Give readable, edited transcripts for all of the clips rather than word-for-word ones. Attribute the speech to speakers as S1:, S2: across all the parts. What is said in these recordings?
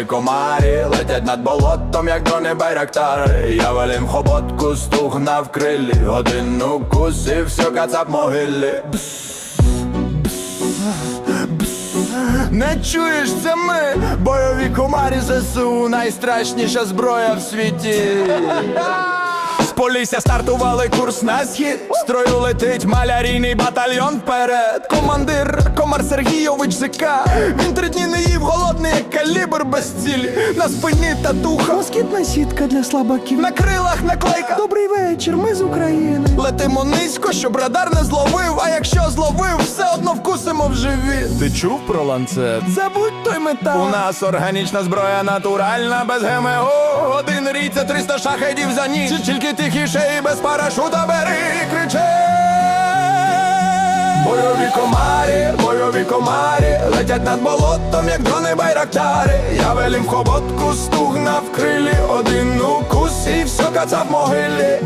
S1: комарі летять над болотом, як дрони байрактари. Я велім хоботку, стугна в крилі, один укус і все, кацап могилі. Не чуєш, це ми, бойові комарі ЗСУ, найстрашніша зброя в світі. З Полісся стартували курс на схід, строю летить малярійний батальйон вперед. Командир Комар Сергійович ЗК, він 3 дні не їв, голодний як калібр без цілі. На спині татуха,
S2: Москітна сітка для слабаків,
S1: на крилах наклейка.
S2: добрий вечір, ми з України.
S1: Летимо низько, щоб радар не зловив, а якщо зловив, все одно вкусимо в живіт. Ти чув про ланцет?
S2: Забудь той метал.
S1: У нас органічна зброя натуральна, без ГМО. Один рій це 300 шахедів за ніч. Тільки тихіше і без парашута бери і кричи. Бойові комарі летять над болотом, як дрони байрактари. Я велім в хоботку, стугна в крилі, один укус і все, кацап могилі.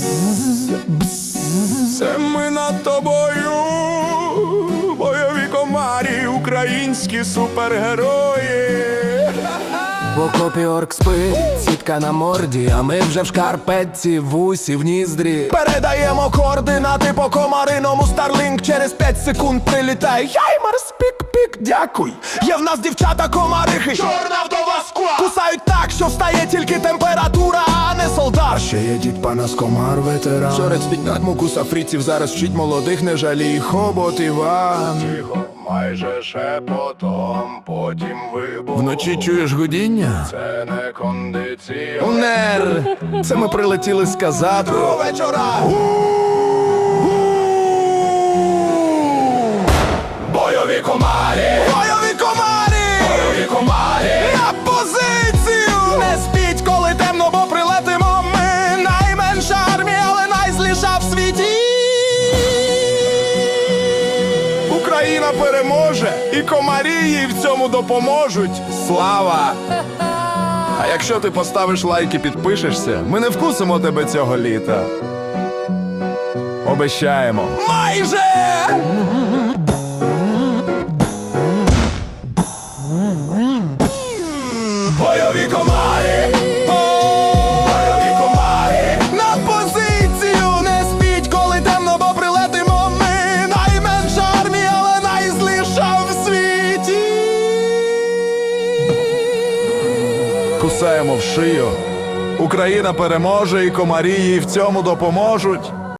S1: Це ми над тобою, бойові комарі, українські супергерої.
S2: В окопі орк спить, сітка на морді, а ми вже в шкарпетці, в усі, в ніздрі.
S1: Передаємо координати по комариному, Старлінк через 5 секунд прилітає. Хаймарс, пік-пік, дякуй. Є в нас дівчата комарихи, чорна вдова скла. Кусають так, що встає тільки температура, а не солдат. Ще є дід Панас Комар, ветеран. Шорець піднять мукуса фріців, зараз вчить молодих, не жалій хобот Іван. Тихо, майже шепотом, потім вибух. Вночі чуєш гудіння? Це не кондиціонер. Це ми прилетіли сказати про вечора. Бойові комарі! Бойові комарі! Бойові комарі! На позицію! Не спіть, коли темно, бо прилетимо ми. Найменша армія, але найзліша в світі. Україна переможе, і комарі їй в цьому допоможуть. Слава! А якщо ти поставиш лайк і підпишешся, ми не вкусимо тебе цього літа. Обещаємо. Майже! Бойові комарі! Бойові комарі! На позицію! Не спіть, коли темно, бо прилетимо ми. Найменша армія, але найзліша в світі. Кусаємо в шию. Україна переможе, і комарі їй в цьому допоможуть.